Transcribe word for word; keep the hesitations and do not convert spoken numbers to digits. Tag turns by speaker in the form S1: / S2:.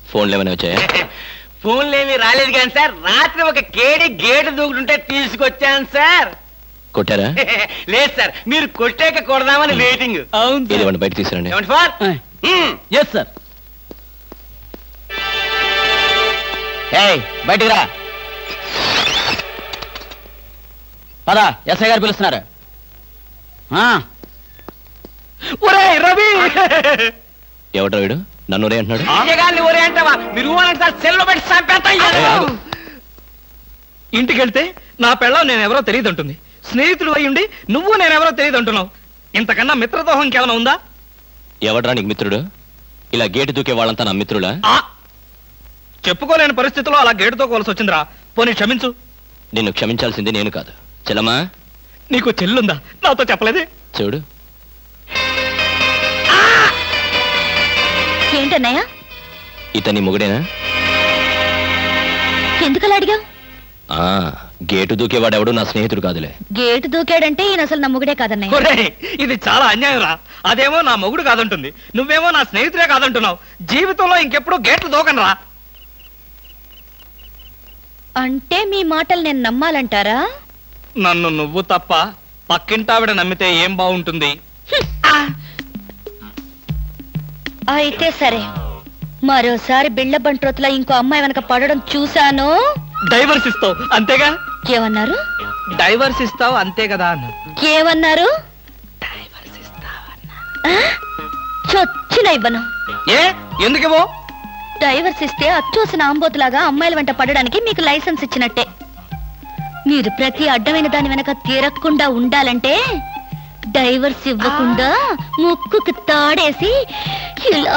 S1: ఫోన్లు ఏమైనా వచ్చాయా?
S2: ఫోన్లు ఏమి రాలేదు కానీ సార్, రాత్రి ఒక కేడి గేటు దూకుంటుంటే తీసుకొచ్చాను సార్.
S1: కొట్టారా?
S2: లేదు సార్, మీరు కొట్టాక కొడదామని వెయిటింగ్.
S1: ఏదేమన్నా బయట తీసుకురండి.
S2: ఏమండి ఫోన్?
S3: Yes sir. ఏయ్ బయటికి రా. పద, ఎస్ఐ గారు పిలుస్తున్నారు.
S2: ఒరేయ్ రవి!
S1: ఎవడ్రా వీడు నన్ను ఒరే అంటున్నాడు?
S2: గారిని ఒరే అంటావా? మీరు ఊరంటే సార్ సెల్లో పెట్టి చంపేస్తా.
S4: ఇంటికి వెళ్తే నా పెళ్ళం నేనెవరో తెలియదు అంటుంది. స్నేహితుడు అయ్యుండి నువ్వు నేనెవరో తెలియదు అంటున్నావు. ఇంతకన్నా మిత్రదోహం ఇంకేమైనా ఉందా?
S1: ఎవడ్రా నీకు మిత్రుడు? ఇలా గేటు దూకే వాళ్ళంతా నా మిత్రులా?
S4: ఆ చెప్పుకోలేని పరిస్థితిలో అలా గేటుతో కోల్సి వచ్చిందిరా. పోనీ క్షమించు.
S1: నిన్ను క్షమించాల్సింది నేను కాదు. చెల్లమ్మా,
S4: నీకు చెల్లుందా? నాతో చెప్పలేదే.
S1: చూడు,
S5: ఏంటన్నయ్య?
S1: ఇతని మొగుడేనా?
S5: ఎందుకలా అడిగావు?
S1: ఆ గేటు దూకేవాడెవడు నా స్నేహితుడు కాదులే.
S5: గేటు దూకాడంటే ఈయన అసలు నా మొగుడే కాదన్నయ్య.
S4: ఒరేయ్, ఇది చాలా అన్యాయం రా. అదేమో నా మొగుడు కాదంటుంది, నువ్వేమో నా స్నేహితుడే కాదంటున్నావు. జీవితంలో ఇంకెప్పుడు గేట్లు దూకను రా.
S5: అంటే మీ మాటలు నేను నమ్మాలంటారా?
S4: నన్ను నువ్వు తప్ప పక్కింటావిడ నమ్మితే ఏం బాగుంటుంది?
S5: అయితే సరే, మరోసారి బిళ్ళ బంట్రోతులా ఇంకో అమ్మాయి వెనక పడడం చూశాను.
S4: డైవర్స్ ఇస్తావు అంతేగా?
S5: ఏమన్నారు?
S4: డైవర్స్ ఇస్తావు అంతే కదా అన్న.
S5: ఏమన్నారు? చొచ్చిన ఇవ్వను.
S4: ఏ ఎందుకేమో?
S5: డైవర్స్ ఇస్తే అచ్చోసిన ఆంబోతులాగా అమ్మాయిల వెంట పడడానికి మీకు లైసెన్స్ ఇచ్చినట్టే. మీరు ప్రతి అడ్డమైన దాని వెనక తీరకుండా ఉండాలంటే డైవర్స్ ఇవ్వకుండా ముక్కుకి తాడేసి ఇలా